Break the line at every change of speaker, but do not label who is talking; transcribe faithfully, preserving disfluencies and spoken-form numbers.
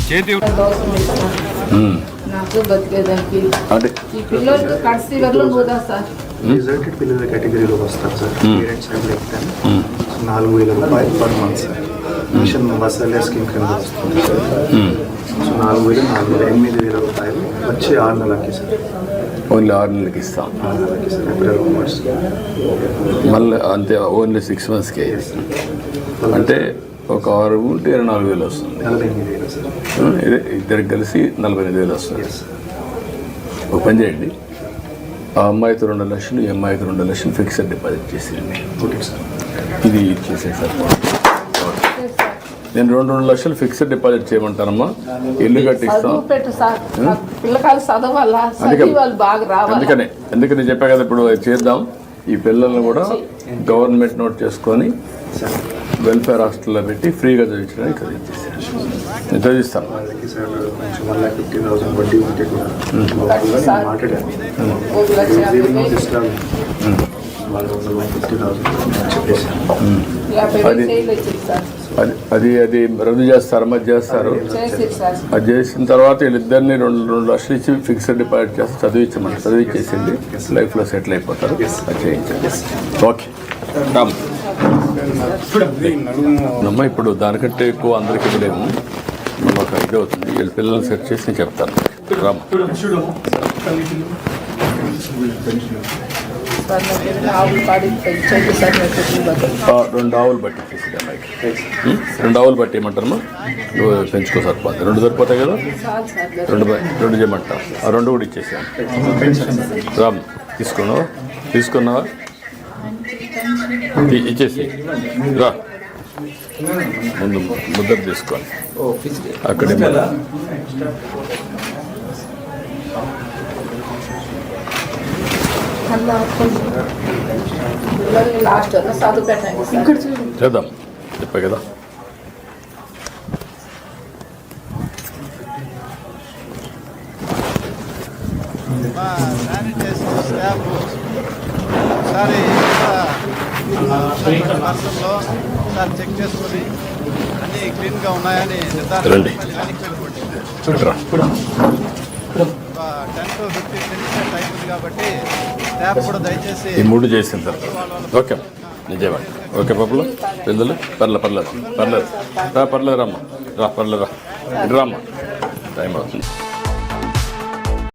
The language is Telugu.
చేతి
నాకు బతికేదానికి
అంటే
ఈ పిల్లలు కడిసి వరలో పోదా సార్
రిజల్టెడ్ పిల్లల కేటగిరీలో వస్తారు సార్ పేరెంట్స్ అండ్ లైక్ నాలుగు వేల రూపాయలు per month sir mission masala scheme కింద వస్తుంది సార్ సో నాలుగు వేలు నాలుగు వేల ఎనిమిది వేల రూపాయలు వచ్చి ఆరు నెలలకి సార్
ఓన్లీ ఆరు నెలలకి ఇస్తాం
ఆరు నెలలకి సార్ ఏప్రిల్ onwards.
మళ్ళీ అంతే ఓన్లీ సిక్స్ మంత్స్కే అంటే ఒక ఆరు ఉంటే ఇరవై నాలుగు వేలు వస్తుంది
నలభై ఎనిమిది వేలు సార్
ఇదే ఇద్దరికి కలిసి నలభై ఎనిమిది వేలు వస్తుంది
ఎస్
ఒక పని చేయండి ఆ అమ్మాయికి రెండు లక్షలు ఈ అమ్మాయికి రెండు లక్షలు ఫిక్స్డ్ డిపాజిట్ చేసేయండి
ఓకే సార్
ఇది ఇచ్చేసే సార్ నేను రెండు రెండు లక్షలు ఫిక్స్డ్ డిపాజిట్ చేయమంటానమ్మా ఇల్లు కట్టిస్తాం
చదువు పెట్టు సార్ పిల్లకాయలు చదవాలా చదివి వాళ్ళు బాగా రావాలి
అందుకనే అందుకని చెప్పా కదా ఇప్పుడు అది చేద్దాం ఈ పిల్లల్ని కూడా గవర్నమెంట్ నోట్ చేసుకొని
సార్
వెల్ఫేర్ హాస్టల్లో పెట్టి ఫ్రీగా చదివించడానికి చదివించేసాను నేను చదివిస్తాను
వాళ్ళకి సార్ కొంచెం వన్ ల్యాక్ ఫిఫ్టీ థౌసండ్ వడ్డీ ఉంటే కూడా బాగుంటుందని నేను మాట్లాడాను
ఒక లక్ష యాభై వేలు
ఇస్తాను వాళ్ళు ఒక వన్ ఫిఫ్టీ థౌసండ్ చెప్పేసాను
యాభై వేలు చేయలేదు సార్
అది అది అది రద్దు చేస్తారు మధ్య చేస్తారు
చేసి సార్
అది చేసిన తర్వాత వీళ్ళిద్దరిని రెండు రెండు లక్షలు ఇచ్చి ఫిక్స్డ్ డిపాజిట్ చేస్తే చదివించమని చదివించేసింది లైఫ్లో సెటిల్ అయిపోతారు అది చేయించండి ఓకే రామ్ అమ్మ ఇప్పుడు దానికంటే ఎక్కువ అందరికీ ఇవ్వలేము మనం ఒక ఇది అవుతుంది వీళ్ళ పిల్లల్ని సెట్ చేసి నేను చెప్తాను రామ్
సార్ నాకు ఆవులు పాడి పెంచండి సార్ నాకు
ఆ, రెండు ఆవులు బట్టి చేసి అమ్మాయికి ఉం? రెండు ఆవులు బట్టి ఏమంటారమ్మా నువ్వు పెంచుకో సరిపోతుంది రెండు సరిపోతాయి కదా
చాలు సార్
రెండు బ- రెండు చేయమంటా ఆ రెండు కూడా ఇచ్చేసాను రామ్ తీసుకున్నావా తీసుకున్నావా ఇ- ఇచ్చేసి రా ముందు ముద్ర తీసుకోండి అక్కడే మన-
అలా పిల్లల్ని లాస్ట్ వరకు చదువు పెట్టండి సార్
చేద్దాం చెప్పా కదా
మా శానిటైజర్ స్టాఫ్ ఒకసారి పర్సన్లో ఒకసారి చెక్ చేసుకొని అన్నీ క్లీన్గా ఉన్నాయని
రండి.
నిర్ధారణ
రా.
Ten to fifteen minutes time ఉంది కాబట్టి స్టాఫ్ కూడా దయచేసి
ఈ మూడు చేసిన తర్వాత ఓకే నిజమే ఓకే పప్పులు పెద్దలు పర్లే పర్లేదు పర్లేదు రా పర్లేదు రామ్మా రా పర్లేదు రా ఇటు రామ్మా టైం అవుతుంది